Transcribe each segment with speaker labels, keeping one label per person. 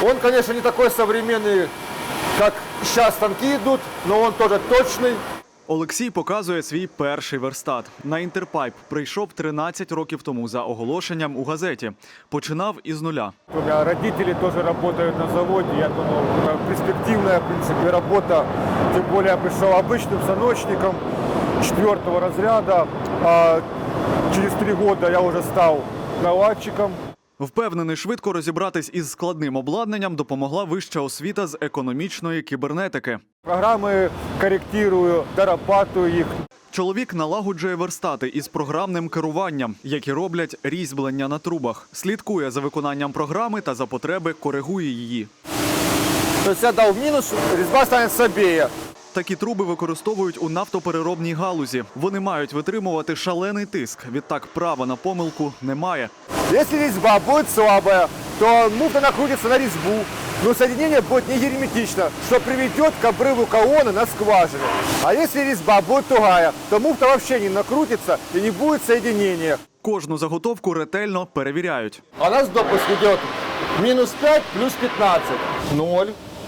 Speaker 1: Он, конечно, не такой современный, как сейчас станки идут, но он тоже точный.
Speaker 2: Олексій показує свій перший верстат. На Інтерпайп прийшов 13 років тому за оголошенням у газеті. Починав із нуля.
Speaker 1: У меня родители тоже работают на заводе. Я думал, это перспективная, в принципе, работа. Тем более я пришел обычным станочником 4-го разряда. А через 3 года я уже стал наладчиком.
Speaker 2: Впевнений, швидко розібратись із складним обладнанням допомогла вища освіта з економічної кібернетики.
Speaker 1: Программы корректирую, дорабатываю их.
Speaker 2: Чоловік налагоджує верстати із програмним керуванням, які роблять різьблення на трубах. Слідкує за виконанням програми та за потреби коригує її.
Speaker 1: То есть я дал минус, резьба станет слабее.
Speaker 2: Такі труби використовують у нафтопереробній галузі. Вони мають витримувати шалений тиск. Відтак права на помилку немає.
Speaker 1: Если резьба будет слабая, то муфта накрутится на резьбу, но соединение будет не герметично, что приведет к обрыву колонны на скважине. А если резьба будет тугая, то муфта вообще не накрутится и не будет соединения.
Speaker 2: Кожну заготовку ретельно перевіряють.
Speaker 1: А у нас допуск идет минус 5 плюс 15. 0.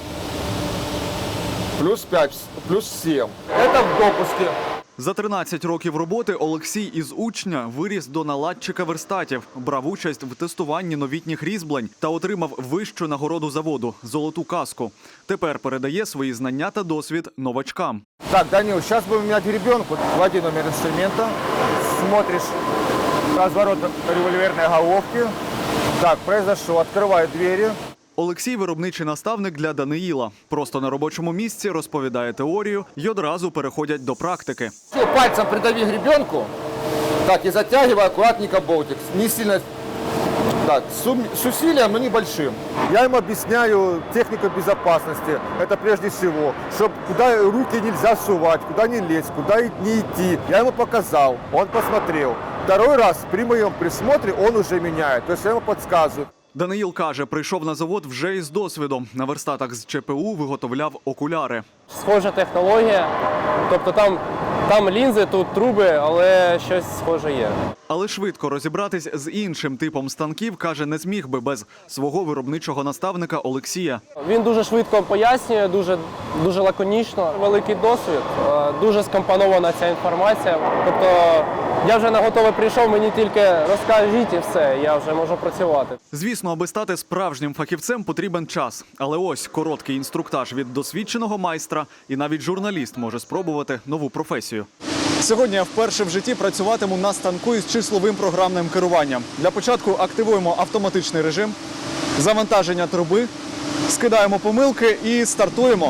Speaker 1: Плюс 5, плюс 7. Это в допуске.
Speaker 2: За 13 років роботи Олексій із учня виріс до наладчика верстатів, брав участь в тестуванні новітніх різьблень та отримав вищу нагороду заводу – золоту каску. Тепер передає свої знання та досвід новачкам.
Speaker 1: Так, Данил, сейчас будем менять гребенку. Вводи номер инструмента. Смотришь разворот револьверной головки. Так, произошло. Открываю двери.
Speaker 2: Олексій – виробничий наставник для Даниїла. Просто на робочому місці розповідає теорію і одразу переходять до практики.
Speaker 1: Все, пальцем придави гребенку. Так, и затягивай аккуратненько болтик. Не сильно. Так, с усилием, но небольшим. Я им объясняю технику безопасности. Это прежде всего, чтобы куда руки нельзя сувать, куда не лезть, куда не идти. Я ему показал, он посмотрел. Второй раз при моем присмотре он уже меняет. То есть я ему подсказываю.
Speaker 2: Даниїл каже, прийшов на завод вже із досвідом. На верстатах з ЧПУ виготовляв окуляри.
Speaker 3: Схожа технологія, тобто там лінзи, тут труби, але щось схоже є.
Speaker 2: Але швидко розібратись з іншим типом станків, каже, не зміг би без свого виробничого наставника Олексія.
Speaker 3: Він дуже швидко пояснює, дуже лаконічно. Великий досвід, дуже скомпонована ця інформація. Тобто я вже на готове прийшов, мені тільки розкажіть і все, я вже можу працювати.
Speaker 2: Звісно, аби стати справжнім фахівцем, потрібен час. Але ось короткий інструктаж від досвідченого майстра, і навіть журналіст може спробувати нову професію. Сьогодні я вперше в житті працюватиму на станку із числовим програмним керуванням. Для початку активуємо автоматичний режим, завантаження труби, скидаємо помилки і стартуємо.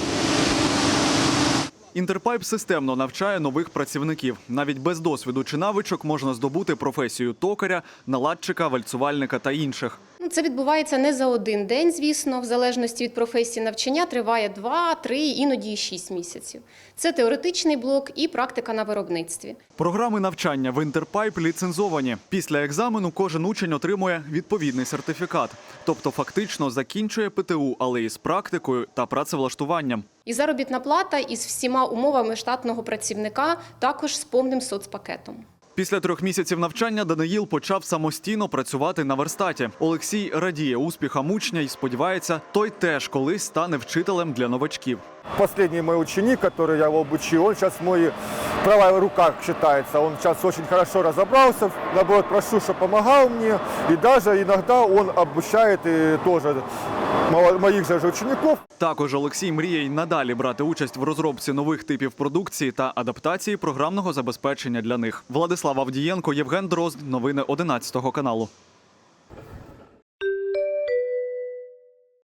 Speaker 2: Інтерпайп системно навчає нових працівників. Навіть без досвіду чи навичок можна здобути професію токаря, наладчика, вальцувальника та інших.
Speaker 4: Це відбувається не за один день, звісно, в залежності від професії навчання триває 2, 3, іноді і 6 місяців. Це теоретичний блок і практика на виробництві.
Speaker 2: Програми навчання в Інтерпайп ліцензовані. Після екзамену кожен учень отримує відповідний сертифікат. Тобто фактично закінчує ПТУ, але із практикою та працевлаштуванням.
Speaker 4: І заробітна плата із всіма умовами штатного працівника, також з повним соцпакетом.
Speaker 2: Після 3 місяців навчання Даниїл почав самостійно працювати на верстаті. Олексій радіє успіхам учня і сподівається, той теж колись стане вчителем для новачків.
Speaker 1: Последний мой ученик, который я его обучил, он сейчас мой правая рука считается. Он сейчас очень хорошо разобрался, наоборот, прошу, чтобы помогал мне. И даже иногда он обучает и тоже моїх же учеників.
Speaker 2: Також Олексій мріє й надалі брати участь в розробці нових типів продукції та адаптації програмного забезпечення для них. Владислав Авдієнко, Євген Дрозд. Новини 11 каналу.